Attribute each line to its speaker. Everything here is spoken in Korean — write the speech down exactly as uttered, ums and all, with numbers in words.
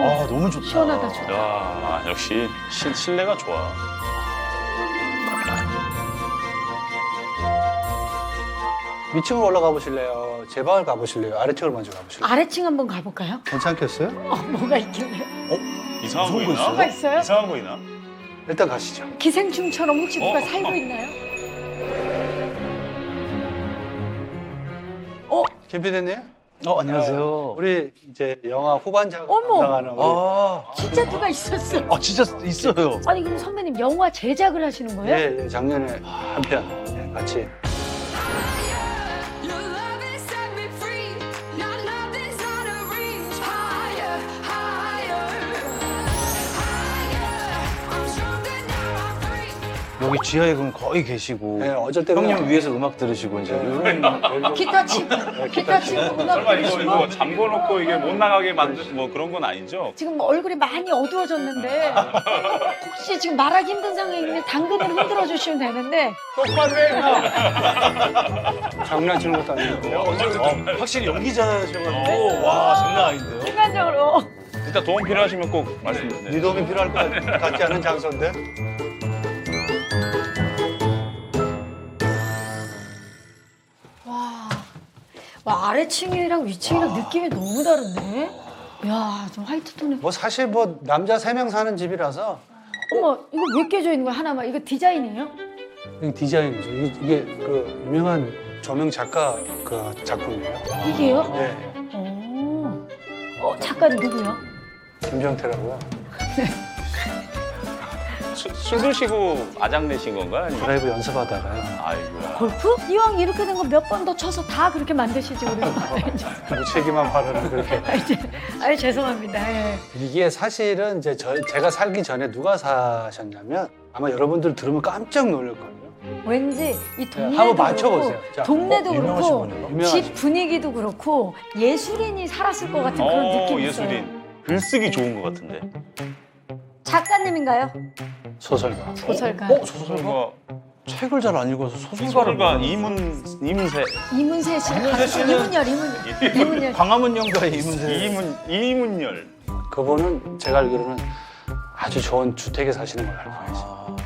Speaker 1: 아, 너무 좋다.
Speaker 2: 시원하다 좋다.
Speaker 3: 야, 역시 실, 실내가 좋아.
Speaker 4: 위층으로 올라가 보실래요? 제 방을 가보실래요? 아래층을 먼저 가보실래요?
Speaker 2: 아래층 한번 가볼까요?
Speaker 4: 괜찮겠어요?
Speaker 2: 어, 뭐가 있길래?
Speaker 3: 이상한 거
Speaker 1: 무서운 거
Speaker 3: 있나?
Speaker 2: 뭐가 있어요?
Speaker 3: 이상한 거 있나?
Speaker 4: 일단 가시죠.
Speaker 2: 기생충처럼 혹시 누가
Speaker 3: 어?
Speaker 2: 살고 있나요? 어?
Speaker 4: 김 피디님?
Speaker 1: 어, 안녕하세요.
Speaker 4: 우리 이제 영화 후반작
Speaker 2: 어머!
Speaker 4: 담당하는 우리
Speaker 1: 아,
Speaker 2: 진짜 누가 있었어?
Speaker 1: 아, 진짜 있어요.
Speaker 2: 아니 그럼 선배님 영화 제작을 하시는 거예요?
Speaker 4: 예, 예, 작년에 한 편 예, 같이
Speaker 5: Your love has set me free. Now nothing's out of reach. Higher, higher, higher. I'm stronger now. I'm free.
Speaker 1: 여기 지하에 그럼 거의 계시고.
Speaker 4: 예, 어쩔 때는
Speaker 1: 형님 위에서 음악 들으시고 이제.
Speaker 2: 기타 치고 기타 치고 음악
Speaker 3: 설마 이거,
Speaker 2: 들으시고
Speaker 3: 이거 잠궈놓고 이게 못 나가게 만든 뭐 그런 건 아니죠?
Speaker 2: 지금 뭐 얼굴이 많이 어두워졌는데 혹시 지금 말하기 힘든 상황인데 당근으로 흔들어 주시면 되는데
Speaker 3: 똑바로 해, 형!
Speaker 4: 장난치는 것도 아니고
Speaker 1: 어, 확실히 연기자셔가지고. 와, 장난 아닌데요?
Speaker 2: 순간적으로
Speaker 3: 진짜 도움 필요하시면 꼭 말씀해주세요.
Speaker 4: 네 도움이 필요할 것 같지 않은 장소인데
Speaker 2: 와, 와 아래층이랑 위층이랑 느낌이 너무 다른데? 야, 좀 화이트 톤에
Speaker 4: 뭐 사실 뭐 남자 세 명 사는 집이라서
Speaker 2: 어머 이거 왜 깨져 있는 거야 하나만 이거 디자인이에요?
Speaker 4: 이게 디자인이죠. 이게, 이게 그 유명한 조명 작가 그 작품이에요.
Speaker 2: 이게요?
Speaker 4: 예,
Speaker 2: 어, 어 작가는 누구요?
Speaker 4: 김정태라고요.
Speaker 3: 수, 술 드시고 아장 내신 건가? 아니면...
Speaker 4: 드라이브 연습하다가요.
Speaker 3: 아이고야.
Speaker 2: 골프? 이왕 이렇게 된 거 몇 번 더 쳐서 다 그렇게 만드시지 우리.
Speaker 4: 무책임한 발언을 그렇게.
Speaker 2: 아, 이제, 아유 죄송합니다. 예.
Speaker 4: 이게 사실은 이제 저, 제가 살기 전에 누가 사셨냐면 아마 여러분들 들으면 깜짝 놀랄 거예요.
Speaker 2: 왠지 이 동네도
Speaker 4: 한번 맞춰보세요.
Speaker 2: 그렇고,
Speaker 4: 자,
Speaker 2: 동네도
Speaker 1: 어, 유명하신
Speaker 2: 그렇고
Speaker 1: 분이요?
Speaker 4: 유명하신
Speaker 2: 집 분위기도 그렇고 예술인이 살았을 것 같은 그런
Speaker 3: 어,
Speaker 2: 느낌이 있어요.
Speaker 3: 예술인. 글쓰기 좋은 것 같은데.
Speaker 2: 작가님인가요?
Speaker 4: 소설가.
Speaker 2: 소설가.
Speaker 1: 어, 소설가?
Speaker 3: 소설가,
Speaker 1: 책을 잘 안 읽어서 소설가를.
Speaker 3: 소설가
Speaker 1: 모르겠네.
Speaker 3: 이문, 이문세.
Speaker 2: 이문세 씨.
Speaker 1: 이문세 씨는-
Speaker 2: 이문열, 이문열. 이문열.
Speaker 1: 광화문 연가의 이문세.
Speaker 3: 이문, 이문열.
Speaker 4: 그분은 제가 알기로는 아주 좋은 주택에 사시는 걸로 알고 계세요.